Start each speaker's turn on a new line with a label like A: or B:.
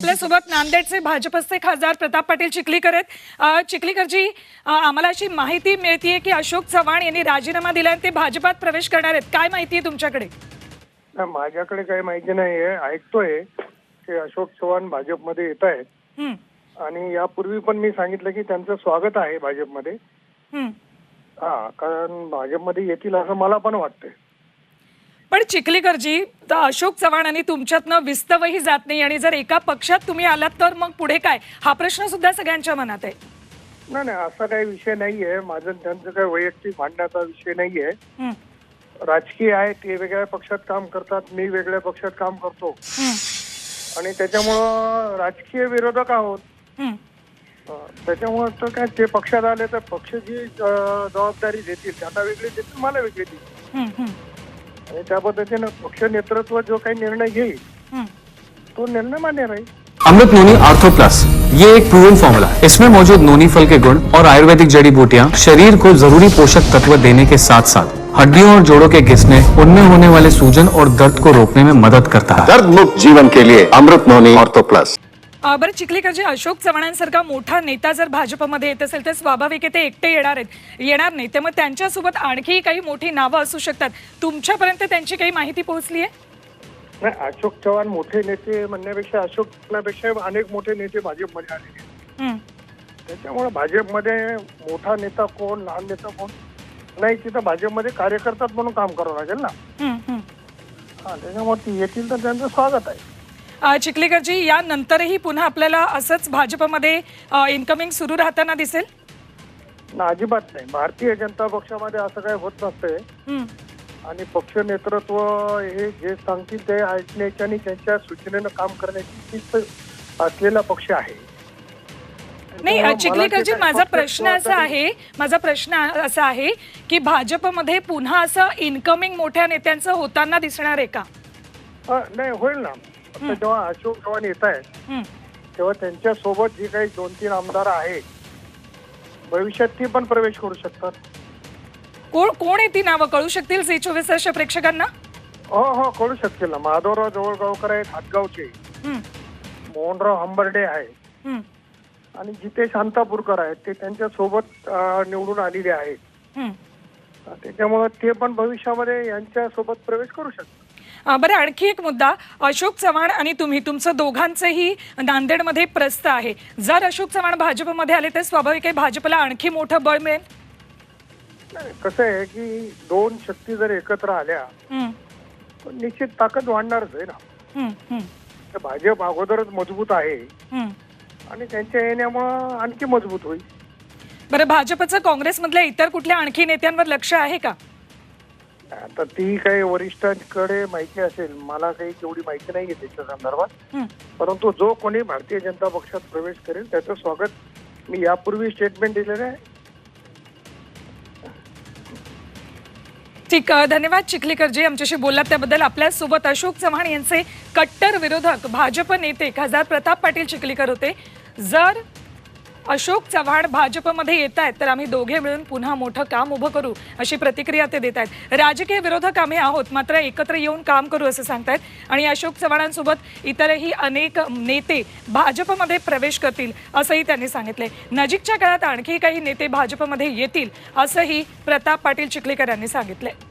A: आपल्यासोबत नांदेडचे भाजपचे खासदार प्रताप पाटील चिखलीकर आहेत। चिखलीकरजी, आम्हाला अशी माहिती मिळतीये की अशोक चव्हाण यांनी राजीनामा दिला आणि ते भाजपात प्रवेश करणार आहेत। काय माहिती आहे तुमच्याकडे?
B: माझ्याकडे काही माहिती नाहीये। ऐकतोय की अशोक चव्हाण भाजपमध्ये येत आहेत आणि यापूर्वी पण मी सांगितलं की त्यांचं स्वागत आहे भाजपमध्ये। कारण भाजपमध्ये येतील असं मला पण वाटतंय।
A: पण चिखलीकरजी, अशोक चव्हाण आणि तुमच्यातनं विस्तवही जात नाही आणि जर एका पक्षात तुम्ही आलात तर मग पुढे काय, हा प्रश्न सुद्धा सगळ्यांच्या मनात आहे।
B: नाही, असा काही विषय नाहीये। माझं त्यांचं काही वैयक्तिक भांडण्याचा विषय नाहीये। राजकीय आहे, ते वेगळ्या पक्षात काम करतात, मी वेगळ्या पक्षात काम करतो आणि त्याच्यामुळं राजकीय विरोधक आहोत। त्याच्यामुळे तर काय, ते पक्षात आले तर पक्ष जी जबाबदारी देतील त्यांना वेगळी देतील, मला वेगळी देतील आणि त्या पद्धतीने पक्ष नेतृत्व जो काही निर्णय घेईल तो निर्णय मान्य राहील।
C: अमृत नोनी आर्थो प्लस, ये एक प्रूवन फॉर्मूला है। इसमें मौजूद नोनी फल के गुण और आयुर्वेदिक जड़ी बूटियां शरीर को जरूरी पोषक तत्व देने के साथ साथ हड्डियों और जोड़ों के घिसने, उनमें होने वाले सूजन और दर्द को रोकने में मदद करता है।
D: दर्द मुक्त जीवन के लिए अमृत नोनी आर्थो प्लस।
A: बरं चिखलीकरजी, अशोक चव्हाणांसारखा मोठा नेता जर भाजपमध्ये येत असेल तर स्वाभाविक आहे ते एकटे येणार नाही, त्यामुळे त्यांच्यासोबत आणखी काही मोठी नावं असू शकतात। तुमच्यापर्यंत त्यांची काही माहिती पोहोचली आहे?
B: नाही, अशोक चव्हाण मोठे नेते म्हणण्यापेक्षा अशोक चव्हाणापेक्षा अनेक मोठे नेते भाजपमध्ये आलेले आहेत। त्याच्यामुळे भाजपमध्ये मोठा नेता कोण, लहान नेता कोण नाही, तिथं भाजपमध्ये कार्यकर्ता म्हणून काम करावं लागेल ना। त्याच्यामुळे ती येतील तर त्यांचं स्वागत आहे।
A: चिखलीकरजी, यानंतरही पुन्हा आपल्याला असंच भाजपमध्ये इनकमिंग सुरू राहताना दिसेल?
B: ना, अजिबात नाही। भारतीय जनता पक्षामध्ये असं काही होत नसतंय आणि पक्ष नेतृत्व हे जे सांगतील ते ऐकण्याची आणि त्यांच्या सूचनेनं काम करण्याची शिस्त असलेला पक्ष आहे।
A: नाही चिखलीकरजी, माझा प्रश्न असा आहे की भाजपमध्ये पुन्हा असं इनकमिंग मोठ्या नेत्यांचं होताना दिसणार आहे का?
B: नाही, होईल ना। जेव्हा अशोक चव्हाण येत आहेत तेव्हा त्यांच्या सोबत जी काही 2-3 आमदार आहेत भविष्यात ती पण प्रवेश करू शकतात।
A: कोण आहे ती नावं कळू शकतील झी24 वर्ष प्रेक्षकांना?
B: हो, कळू शकतील ना। माधवराव जवळगावकर आहेत, हातगावचे। मोहनराव हंबर्डे आहे आणि जितेश शांतापूरकर आहेत, ते त्यांच्या सोबत निवडून आलेले आहेत। त्याच्यामुळे ते पण भविष्यामध्ये यांच्या सोबत प्रवेश करू शकतात।
A: बरं, आणखी एक मुद्दा, अशोक चव्हाण आणि तुमचं दोघांचंही नांदेडमध्ये प्रस्थ आहे। जर अशोक चव्हाण भाजपमध्ये आले तर स्वाभाविक आहे भाजपला आणखी मोठं बळ मिळेल।
B: कसं आहे की दोन शक्ती जर एकत्र आल्या तर निश्चित ताकद वाढणारच आहे ना। भाजप अगोदरच मजबूत आहे आणि त्यांच्या येण्यामुळे आणखी मजबूत होईल।
A: बरं, भाजपचं काँग्रेसमधल्या इतर कुठल्या आणखी नेत्यांवर लक्ष आहे का?
B: आता ती काही वरिष्ठांकडे माहिती असेल, मला काही तेवढी माहिती नाहीये त्याच्या संदर्भात। परंतु जो कोणी भारतीय जनता पक्षात प्रवेश करेल त्याचं स्वागत मी यापूर्वी स्टेटमेंट दिलेलं आहे।
A: ठीक, धन्यवाद चिखलीकरजी, आमच्याशी बोललात त्याबद्दल। आपल्यासोबत अशोक चव्हाण यांचे कट्टर विरोधक भाजप नेते खासदार प्रताप पाटील चिखलीकर होते। जर अशोक चव्हाण भाजपमध्ये येत आहेत तर आम्ही दोघे मिळून पुन्हा मोठं काम उभं करू, अशी प्रतिक्रिया ते देत आहेत। राजकीय विरोधक आम्ही आहोत, मात्र एकत्र येऊन काम करू असं सांगतायत आणि अशोक चव्हाणांसोबत इतरही अनेक नेते भाजपमध्ये प्रवेश करतील असंही त्यांनी सांगितलंय। नजीकच्या काळात आणखी काही नेते भाजपमध्ये येतील असंही प्रताप पाटील चिखलीकर यांनी सांगितलंय।